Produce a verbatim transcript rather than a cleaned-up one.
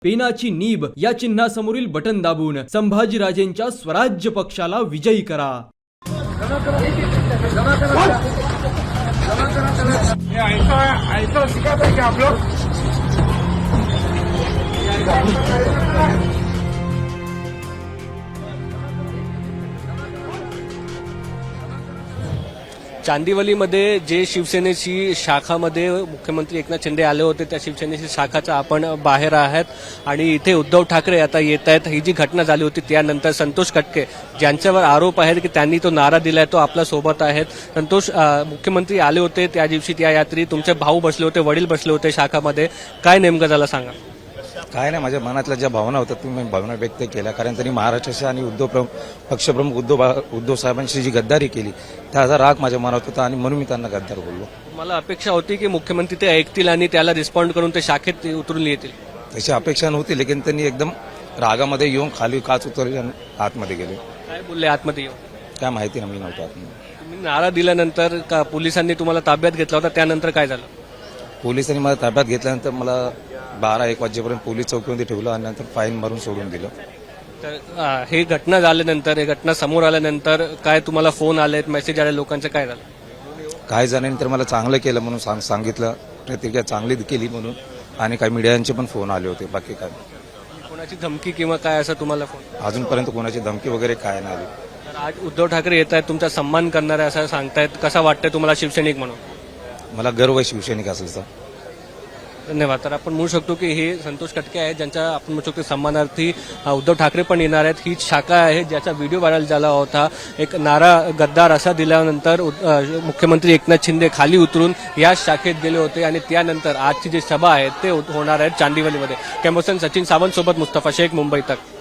पेनाची nib या चिन्हासमोरील button दाबून संभाजीराजेंच्या स्वराज्य पक्षाला विजयी करा। ऐसा ऐसा सिखाता है कि आप लोग चांदिवलीमध्ये जे शिवसेनेची शाखामध्ये मुख्यमंत्री एकनाथ शिंदे आले होते त्या शिवसेनेची शाखाचा आपण बाहेर आहात आणि इथे उद्धव ठाकरे आता येत आहेत। ही जी घटना झाली होती त्यानंतर संतोष कटके ज्यांच्यावर आरोप आहेत की त्यांनी तो नारा दिलाय तो आपल्या सोबत आहेत। संतोष, मुख्यमंत्री आले होते त्या दिवशी त्या यात्री तुमचे भाऊ बसले होते, वडील बसले होते शाखामध्ये, काय नेमकं झालं सांगा। काय नाही, माझ्या मनातल्या ज्या भावना होत्या तुम्ही भावना व्यक्त केल्या, कारण त्यांनी महाराष्ट्राशी आणि उद्धव प्रमुख पक्षप्रमुख उद्धव उद्धव साहेबांशी जी गद्दारी केली त्याचा राग माझ्या मनात होता आणि म्हणून मी त्यांना गद्दार बोललो। मला अपेक्षा होती की मुख्यमंत्री ते ऐकतील आणि त्याला रिस्पॉन्ड करून ते शाखेत उतरून येतील, तशी अपेक्षा नव्हती, लेकिन त्यांनी एकदम रागामध्ये येऊन खाली काच उतरली आणि आतमध्ये गेले। काय बोलले आतमध्ये येऊन? काय माहिती नाही, मी नव्हतो आतमध्ये। तुम्ही नारा दिल्यानंतर का पोलिसांनी तुम्हाला ताब्यात घेतला होता, त्यानंतर काय झालं? पोलिसांनी मला ताब्यात घेतल्यानंतर मला बारा एक वाजेपर्यंत पोलीस चौकीमध्ये ठेवलं आणि नंतर फाईन मारून सोडून दिलं। तर अ, हे घटना झाल्यानंतर हे घटना समोर आल्यानंतर काय तुम्हाला फोन आलेत, मेसेज आले लोकांचं, काय झालं? काही जणांनी तर मला चांगलं केलं म्हणून सांग सांगितलं, प्रतिक्रिया चांगली केली म्हणून, आणि काही मीडियांचे पण फोन आले होते। बाकी काय कोणाची धमकी किंवा काय असं तुम्हाला फोन? अजूनपर्यंत कोणाची धमकी वगैरे काय नाही आली। तर आज उद्धव ठाकरे येत आहेत, तुमचा सन्मान करणारे असं सांगतायत, कसा वाटतंय तुम्हाला शिवसैनिक म्हणून? मला गर्व आहे शिवसैनिक असल्याचा। धन्यवाद। तर आपण म्हणू शकतो की हे संतोष कटके आहेत ज्यांच्या आपण म्हणू शकतो सन्मानार्थी उद्धव ठाकरे पण येणार आहेत। ही शाखा आहे ज्याचा व्हिडिओ व्हायरल झाला होता, एक नारा गद्दार असा दिल्यानंतर मुख्यमंत्री एकनाथ शिंदे खाली उतरून या शाखेत गेले होते आणि त्यानंतर आजची जी सभा आहे ते होणार आहे चांदिवलीमध्ये। कॅम्पसन सचिन सावंत सोबत मुस्तफा शेख, मुंबई तक।